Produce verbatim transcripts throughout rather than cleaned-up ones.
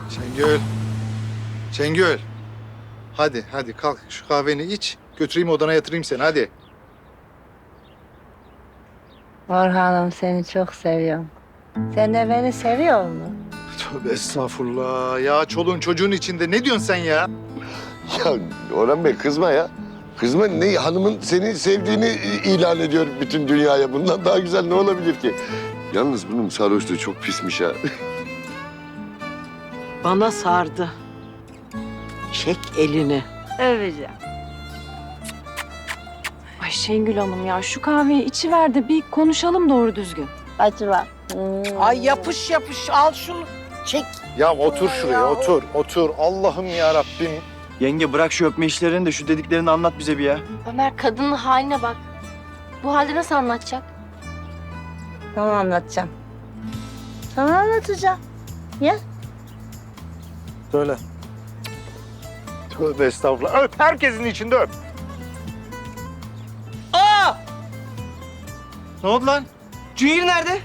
Şengül. Şengül. Hadi hadi kalk şu kahveni iç. Götüreyim odana yatırayım seni hadi. Orhan'ım seni çok seviyorum. Sen de beni seviyor musun? Tövbe estağfurullah. Ya çoluğun çocuğun içinde ne diyorsun sen ya? Ya Orhan Bey kızma ya. Kızma ne hanımın seni sevdiğini ilan ediyor bütün dünyaya. Bundan daha güzel ne olabilir ki? Yalnız bunun sarhoşluğu çok pismiş ha. Bana sardı. Çek elini. Öveceğim. Ay Şengül Hanım ya şu kahveyi içiver de bir konuşalım doğru düzgün. Hadi bak. Hmm. Ay yapış yapış al şunu. Çek. Ya otur şuraya otur otur. Allah'ım ya Rabbim. Yenge bırak şu öpme işlerini de şu dediklerini anlat bize bir ya. Ömer kadının haline bak. Bu halde nasıl anlatacak? Tamam anlatacağım. Tamam anlatacağım. Ya. Söyle. Tövbe estağfurullah. Öp herkesin içinde öp. Aa! Ne oldu lan? Cüngür nerede?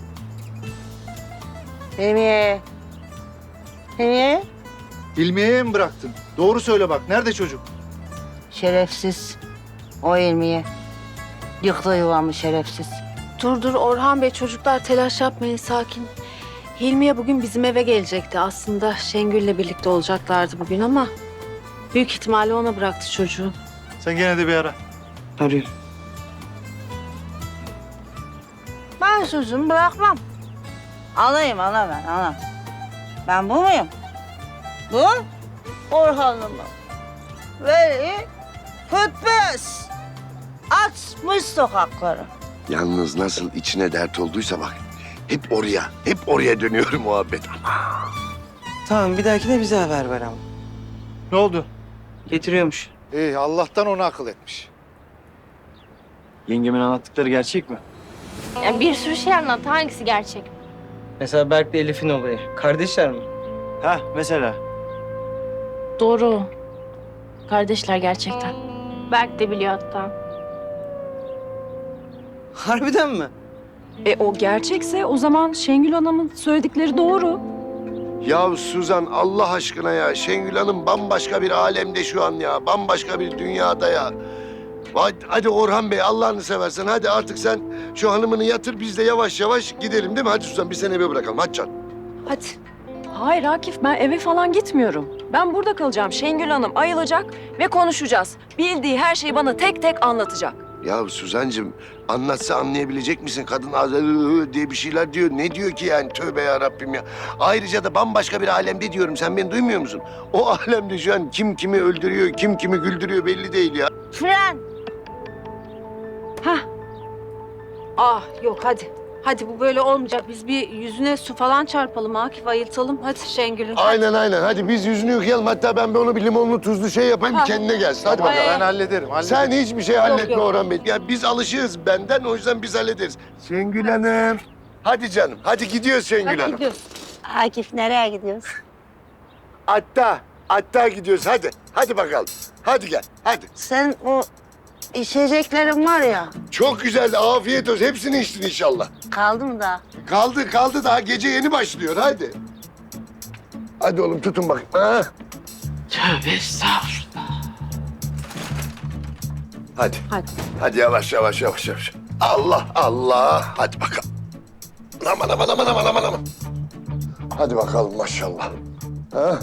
Hilmiye. Hilmiye. İlmiye'ye mi bıraktın? Doğru söyle bak. Nerede çocuk? Şerefsiz. O Hilmiye. Yıktı yuvamı şerefsiz. Dur dur Orhan Bey, çocuklar telaş yapmayın, sakin. Hilmiye bugün bizim eve gelecekti. Aslında Şengül'le birlikte olacaklardı bugün ama büyük ihtimalle ona bıraktı çocuğu. Sen gene de bir ara. Arıyorum. Ben sözümü bırakmam. Alayım ana ben ana. Ben bu muyum? Bu Orhan'ımı. Veli Pütbüz. Açmış sokakları. Yalnız nasıl içine dert olduysa bak. Hep oraya, hep oraya dönüyor muhabbet. Tamam bir dahakine bize haber ver ama. Ne oldu? Getiriyormuş. İyi Allah'tan ona akıl etmiş. Yengemin anlattıkları gerçek mi? Yani bir sürü şey anlat. Hangisi gerçek? Mesela Berk'le Elif'in olayı. Kardeşler mi? Ha mesela. Doğru. Kardeşler gerçekten. Berk de biliyor hatta. Harbiden mi? E o gerçekse o zaman Şengül Hanım'ın söyledikleri doğru. Ya Suzan Allah aşkına ya. Şengül Hanım bambaşka bir alemde şu an ya. Bambaşka bir dünyada ya. Hadi, hadi Orhan Bey Allah'ını seversen hadi artık sen şu hanımını yatır biz de yavaş yavaş gidelim değil mi? Hadi Suzan biz seni eve bırakalım hadi can. Hadi. Hayır Akif ben eve falan gitmiyorum. Ben burada kalacağım. Şengül Hanım ayılacak ve konuşacağız. Bildiği her şeyi bana tek tek anlatacak. Ya Suzancığım anlatsa anlayabilecek misin? Kadın az "Iı" diye bir şeyler diyor. Ne diyor ki yani tövbe ya Rabbim ya. Ayrıca da bambaşka bir alemde diyorum. Sen beni duymuyor musun? O alemde şu an kim kimi öldürüyor, kim kimi güldürüyor belli değil ya. Fren. Hah. Ah yok hadi. Hadi bu böyle olmayacak. Biz bir yüzüne su falan çarpalım Akif, ayıltalım. Hadi Şengül'ün. Aynen aynen. Hadi biz yüzünü yıkayalım. Hatta ben bir onu bir limonlu tuzlu şey yapayım Ha. bir kendine gelsin. Hadi bakalım. Ben hallederim. hallederim. Sen hiçbir şey halletme yok. Orhan Bey. Ya biz alışığız benden o yüzden biz hallederiz. Şengül Hanım. Hadi canım. Hadi gidiyoruz Şengül Hadi Hanım. gidiyoruz. Akif nereye gidiyoruz? Hatta, hatta gidiyoruz. Hadi. Hadi bakalım. Hadi gel. Hadi. Sen o içeceklerin var ya, Çok güzeldi. Afiyet olsun. Hepsini içtin inşallah. kaldı mı daha? Kaldı kaldı daha gece yeni başlıyor. Hadi. Hadi oğlum tutun bakayım. Ha? Tövbe estağfurullah. Hadi. Hadi. Hadi yavaş yavaş yavaş yavaş. Allah Allah. Hadi bakalım. Aman aman aman aman aman aman. Hadi bakalım maşallah. Ha?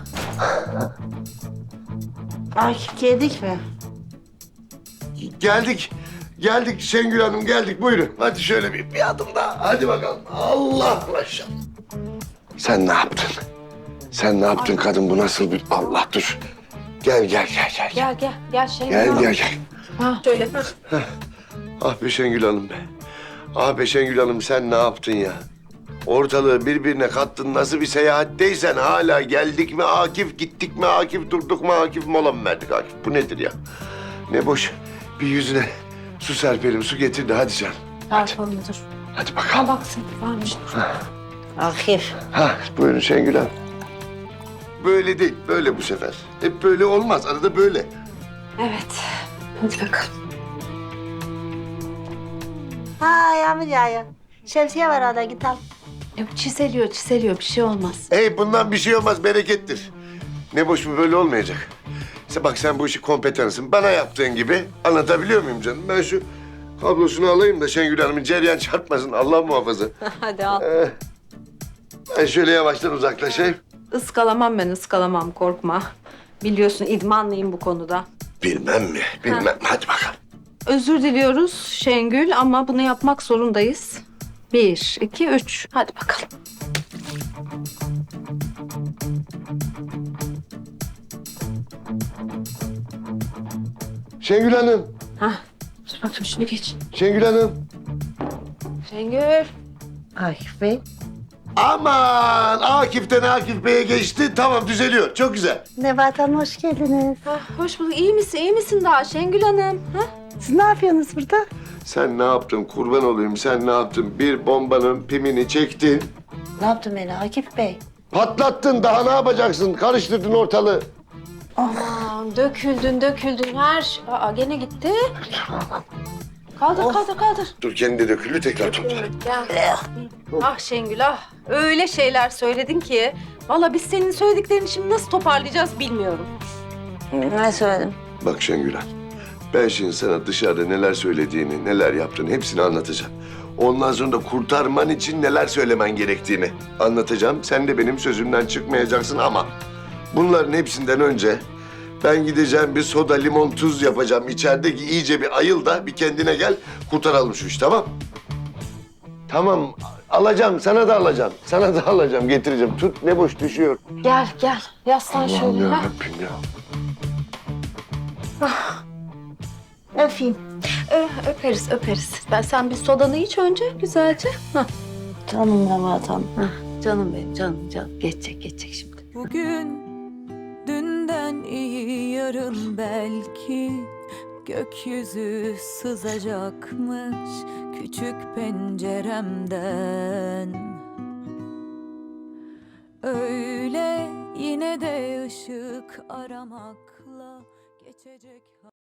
Akif yedik mi? Geldik. Geldik Şengül Hanım geldik. Buyurun. Hadi şöyle bir, bir adım daha. Hadi bakalım. Allah maşallah. Sen ne yaptın? Sen ne yaptın kadın? Bu nasıl bir... Allah dur. Gel gel gel gel. Gel gel gel Şengül Gel Hanım. gel gel. Ha, şöyle. Ah be Şengül Hanım be. Ah be Şengül Hanım sen ne yaptın ya? Ortalığı birbirine kattın. Nasıl bir seyahatteysen hala geldik mi Akif, gittik mi Akif, durduk mu Akif, mola mı verdik Akif? Bu nedir ya? Ne boş. Bir yüzüne su serpelim, su getir de hadi canım. Çarpalım dur. Hadi Ha bakalım. baksın varmış. Akif. Ha, buyurun Şengül Hanım. Böyle değil, böyle bu sefer. Hep böyle olmaz, arada böyle. Evet. Hadi bakalım. Ha yağmur yağıyor. Şemsiye var orada gidelim. Yok çiseliyor çiseliyor bir şey olmaz. Hey bundan bir şey olmaz berekettir. Ne boş bu böyle olmayacak. İşte bak sen bu işi kompetansın. Bana yaptığın gibi anlatabiliyor muyum canım? Ben şu kablosunu alayım da Şengül Hanım'ın cereyan çarpmasın. Allah muhafaza. Hadi al. Ee, ben şöyle yavaştan uzaklaşayım. Iskalamam ben ıskalamam korkma. Biliyorsun idmanlıyım bu konuda. Bilmem mi? Bilmem. Hadi bakalım. Özür diliyoruz Şengül ama bunu yapmak zorundayız. Bir, iki, üç. Hadi bakalım. Şengül Hanım. Hah. Dur bakayım şunu geç. Şengül Hanım. Şengül. Akif Bey. Aman Akif'ten Akif Bey'e geçti. Tamam düzeliyor. Çok güzel. Nebahat Hanım hoş geldiniz. Ah, hoş bulduk. İyi misin? İyi misin daha Şengül Hanım? Ha? Siz ne yapıyorsunuz burada? Sen ne yaptın kurban olayım sen ne yaptın? Bir bombanın pimini çektin. Ne yaptım ben Akif Bey? Patlattın daha ne yapacaksın? Karıştırdın ortalığı. Aman döküldün döküldün her şey. Aa gene gitti. Kaldır kaldır kaldır. Dur kendi dökülü tekrar topla. Gel. Ah Şengül ah. Öyle şeyler söyledin ki. Vallahi biz senin söylediklerini şimdi nasıl toparlayacağız bilmiyorum. Ne söyledim? Bak Şengül Hanım, ben şimdi sana dışarıda neler söylediğini, neler yaptığını hepsini anlatacağım. Ondan sonra da kurtarman için neler söylemen gerektiğini anlatacağım. Sen de benim sözümden çıkmayacaksın ama bunların hepsinden önce ben gideceğim bir soda, limon, tuz yapacağım. İçerideki iyice bir ayıl da bir kendine gel, kurtaralım şu işi tamam? Tamam, alacağım, sana da alacağım. Sana da alacağım, getireceğim. Tut, ne boş düşüyor. Gel gel. Yaslan şöyle. Allah'ım ha. yarabbim ya. Öpeyim. Ö- öperiz öperiz. Ben sen bir sodanı iç önce güzelce. Hah. Canım Nebahat Hanım. Canım benim canım canım. Geçecek geçecek şimdi. Bugün dünden iyi yarın belki gökyüzü sızacakmış küçük penceremden. Öyle yine de ışık aramakla geçecek.